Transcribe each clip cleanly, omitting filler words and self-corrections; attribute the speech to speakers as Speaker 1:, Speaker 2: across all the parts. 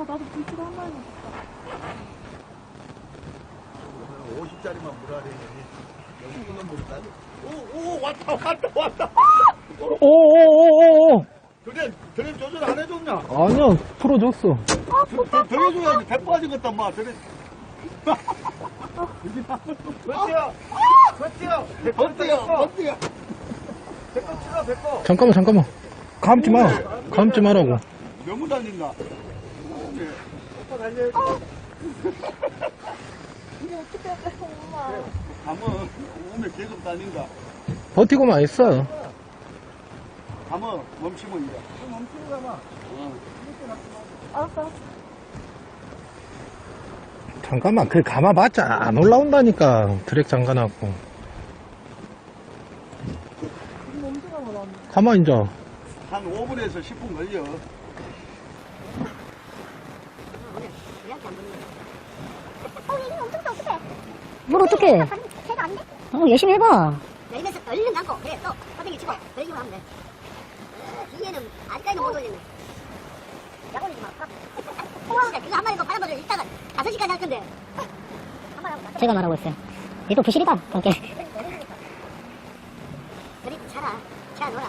Speaker 1: 나도 불치를 한 마리 먹었다.
Speaker 2: 50짜리만 물어야되니 여기 끊어 물을까? 오 왔다.
Speaker 3: 오오오오오.
Speaker 2: 드랩 조절 안 해줬냐?
Speaker 3: 아니야, 풀어줬어.
Speaker 2: 더 해줘야지. 배 빠지겠다 마. 드랩. 버티야. 배꼽 치라 배꼽.
Speaker 3: 잠깐만. 감지 마. 감지 말라고.
Speaker 2: 너무 달린다. 오빠 달려.
Speaker 1: 이게 어떻게 해, 엄마.
Speaker 2: 가면 오면 계속 달린다.
Speaker 3: 버티고만 있어.
Speaker 2: 가면 멈추면 이래. 멈추고 가마.
Speaker 1: 알았어.
Speaker 3: 잠깐만, 그 감아봤자 안 올라온다니까. 드랙 잠가놨고.
Speaker 1: 지금 엄청 가만
Speaker 3: 가만 이제.
Speaker 2: 한 5분에서 10분 걸려.
Speaker 4: 뭘 어떡해.
Speaker 5: 해가 안 돼?
Speaker 4: 열심히 해봐.
Speaker 5: 내리면서 얼른 감고 그래 또 허벅지 치고 그런 식으로 하면 돼. 뒤에는 아직까지는 못 올리네. 약 올리지 마. 진짜 그거 한 마리 더 바람버려 이따가 5시까지 할 건데. 한 마리 하고
Speaker 4: 제가 말하고 있어요. 얘 또 부실이다. 그렇게.
Speaker 5: 그래 차라 차 놓아라.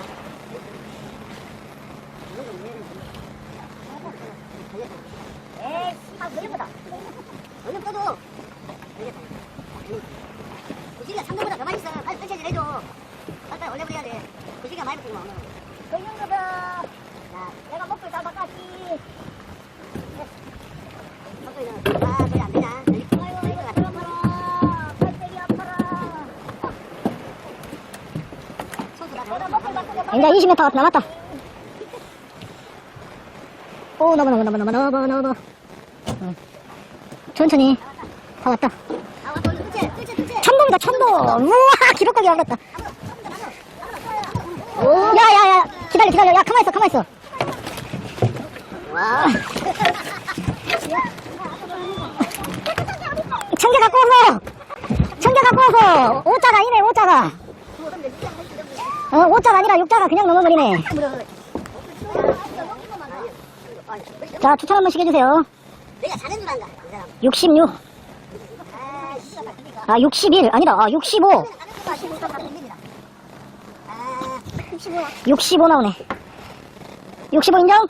Speaker 5: 에이 씨발 걸려보다. 얼른 떠도. 구시리가 상도보다 더 맛있어. 빨리 설치질 해줘. 빨리 올려버려야 돼. 구시리가 많이 먹고 오늘. 걸린거다. 자, 내가 먹고 다 바꿨지. 먹고 아, 저리 안 되나? 아이고, 아파라. 팔뚝이 아파라. 손수 다 내가 먹고 바꾸고.
Speaker 4: 이제 20m 남았다. 오, 넘어. 응. 천천히. 다 왔다.
Speaker 5: 아, 왔다. 뜰채.
Speaker 4: 천동이다, 천동. 우와, 기록하게 왔다. 야. 기다려. 야, 가만있어. 와. 청개 갖고 와서. 5자가 아니네, 5자가. 5자가 아니라 6자가 그냥 넘어버리네. 자, 추천 한번 시켜주세요.
Speaker 5: 내가 자는 줄 안다.
Speaker 4: 66. 아, 61. 아니다. 65. 65 나오네. 65 인정?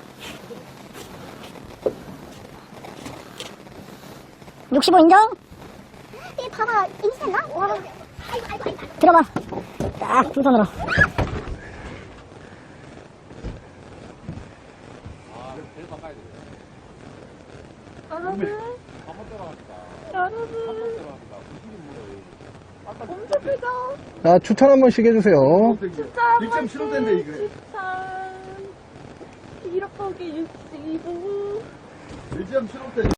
Speaker 4: (65) 인정?
Speaker 5: 이 봐봐, 인스타나?
Speaker 4: 들어봐. 딱 두 손으로.
Speaker 1: 엄청 크죠?
Speaker 3: 자, 추천 한 번씩 해주세요.
Speaker 1: 진짜 한
Speaker 2: 1.75대인데 이거.
Speaker 1: 13. 1억하기 65.
Speaker 2: 1.75대.